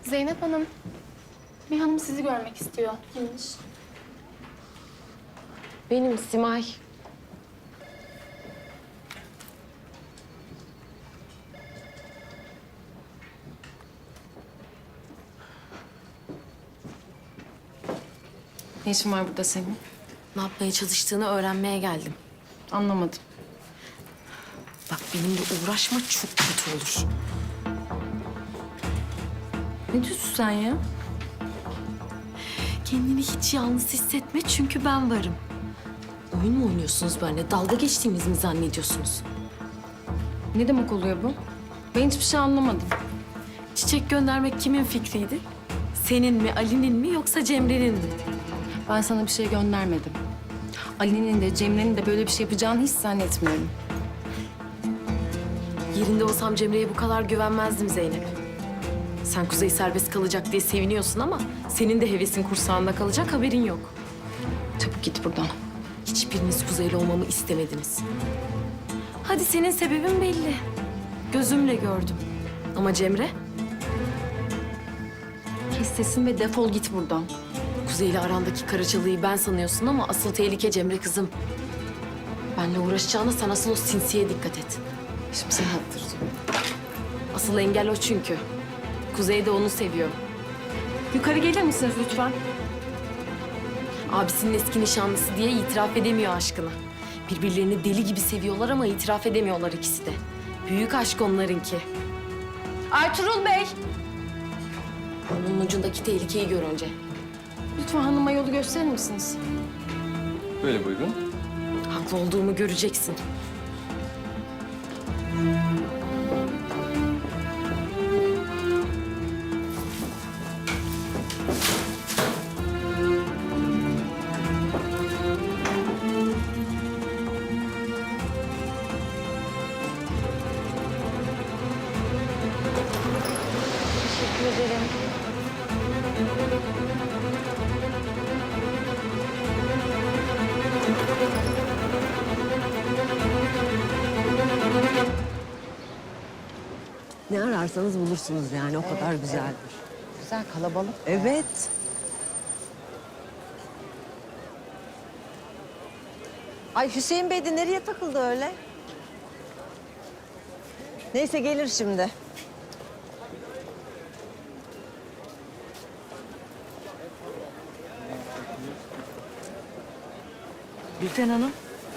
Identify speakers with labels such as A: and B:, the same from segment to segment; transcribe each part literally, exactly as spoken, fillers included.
A: Zeynep Hanım, bir hanım sizi görmek istiyor. Kimmiş?
B: Benim Simay.
A: Ne işin var burada senin?
B: Ne yapmaya çalıştığını öğrenmeye geldim.
A: Anlamadım.
B: Bak benimle uğraşma, çok kötü olur.
A: Ne diyorsun sen ya?
B: Kendini hiç yalnız hissetme çünkü ben varım. Oyun mu oynuyorsunuz benimle? Dalga geçtiğimizi mi zannediyorsunuz?
A: Ne demek oluyor bu? Ben hiçbir şey anlamadım.
B: Çiçek göndermek kimin fikriydi? Senin mi, Ali'nin mi yoksa Cemre'nin mi?
A: Ben sana bir şey göndermedim. Ali'nin de Cemre'nin de böyle bir şey yapacağını hiç zannetmiyorum.
B: Yerinde olsam Cemre'ye bu kadar güvenmezdim Zeynep. Sen Kuzey serbest kalacak diye seviniyorsun ama senin de hevesin kursağında kalacak, haberin yok.
A: Çabuk git buradan.
B: Hiçbiriniz Kuzey'le olmamı istemediniz. Hadi senin sebebin belli. Gözümle gördüm. Ama Cemre,
A: Kes sesini ve defol git buradan.
B: Kuzey'le arandaki karaçalıyı ben sanıyorsun ama asıl tehlike Cemre kızım. Benle uğraşacağına sen asıl o sinsiye dikkat et.
A: Şimdi seni attıracağım.
B: Asıl engel o çünkü. Kuzey de onu seviyor.
A: Yukarı gelir misiniz lütfen?
B: Abisinin eski nişanlısı diye itiraf edemiyor aşkını. Birbirlerini deli gibi seviyorlar ama itiraf edemiyorlar ikisi de. Büyük aşk onlarınki.
A: Ertuğrul Bey!
B: Burnunun ucundaki tehlikeyi gör önce.
A: Lütfen hanıma yolu gösterir misiniz?
C: Böyle buyurun.
B: Haklı olduğumu göreceksin.
A: Teşekkür ederim.
D: Ne ararsanız bulursunuz yani o kadar güzeldir.
E: Güzel, kalabalık.
D: Evet. Ay Hüseyin Bey de nereye takıldı öyle? Neyse gelir şimdi.
E: Gülten Hanım,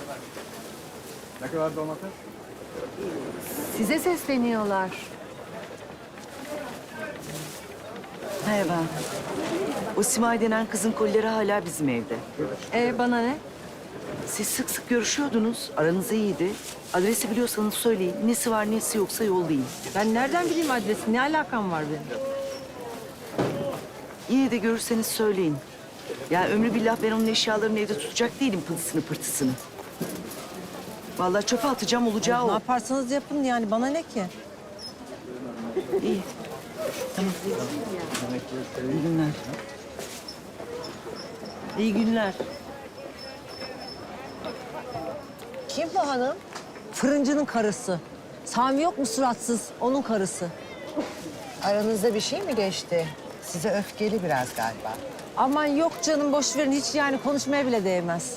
C: Ne kadar domates?
E: size sesleniyorlar.
F: Merhaba. O Simay denen kızın kolileri hala bizim evde.
E: Ee, bana ne?
F: Siz sık sık görüşüyordunuz. Aranız iyiydi. Adresi biliyorsanız söyleyin. Nesi var nesi yoksa yollayın.
D: Ben nereden bileyim adresi? Ne alakam var benim?
F: Yine de görürseniz söyleyin. Ya ömrü billah ben onun eşyalarını evde tutacak değilim pılısını pırtısını. Vallahi çöpe atacağım olacağı
D: Ne
F: o.
D: yaparsanız yapın yani bana ne ki?
F: İyi. Tamam. İyi günler.
D: İyi günler. Kim bu hanım? Fırıncının karısı. Sami yok mu suratsız? Onun karısı.
E: Aranızda bir şey mi geçti? Size öfkeli biraz galiba.
D: Aman yok canım boş verin hiç yani konuşmaya bile değmez.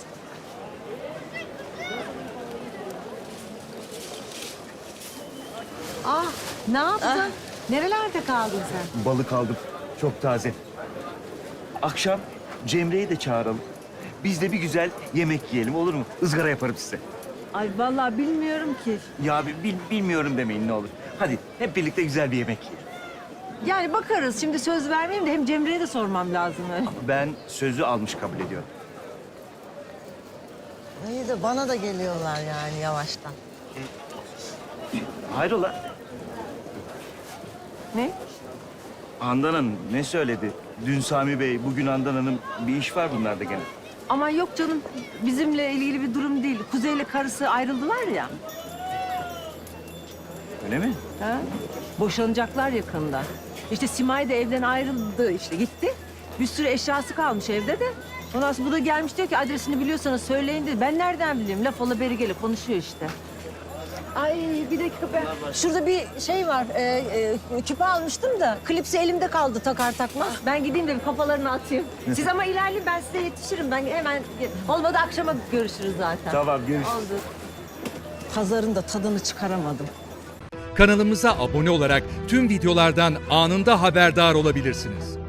D: Ah ne yaptın? Nerelerde kaldın sen?
G: Balık aldım. Çok taze. Akşam Cemre'yi de çağıralım. Biz de bir güzel yemek yiyelim olur mu? Izgara yaparım size.
D: Ay vallahi bilmiyorum ki.
G: Ya bi- bil- bilmiyorum demeyin ne olur. Hadi hep birlikte güzel bir yemek yiyelim.
D: Yani bakarız şimdi söz vermeyeyim de hem Cemre'ye de sormam lazım öyle.
G: Ben sözü almış kabul ediyorum.
E: İyi de bana da geliyorlar yani yavaştan.
G: Hayrola?
D: Ne?
G: Handan Hanım ne söyledi? Dün Sami Bey, bugün Handan Hanım bir iş var bunlarda gene.
D: Aman yok canım bizimle ilgili bir durum değil. Kuzey'le karısı ayrıldılar ya.
G: Öyle mi?
D: Ha? Boşanacaklar yakında. İşte Simay da evden ayrıldı işte gitti. Bir sürü eşyası kalmış evde de. Ondan sonra bu da gelmiş diyor ki adresini biliyorsanız söyleyin dedi. Ben nereden bileyim? Laf ola beri gelip konuşuyor işte.
E: Ay
D: Ay bir dakika ben. Şurada bir şey var. E, e, küpe almıştım da klipsi elimde kaldı takar takmaz. Ben gideyim de bir kafalarını atayım. Siz ama ilerleyin, ben size yetişirim. Ben hemen olmadı akşama görüşürüz zaten.
G: Tamam, görüşürüz.
D: Oldu. Pazarın da tadını çıkaramadım.
H: Kanalımıza abone olarak tüm videolardan anında haberdar olabilirsiniz.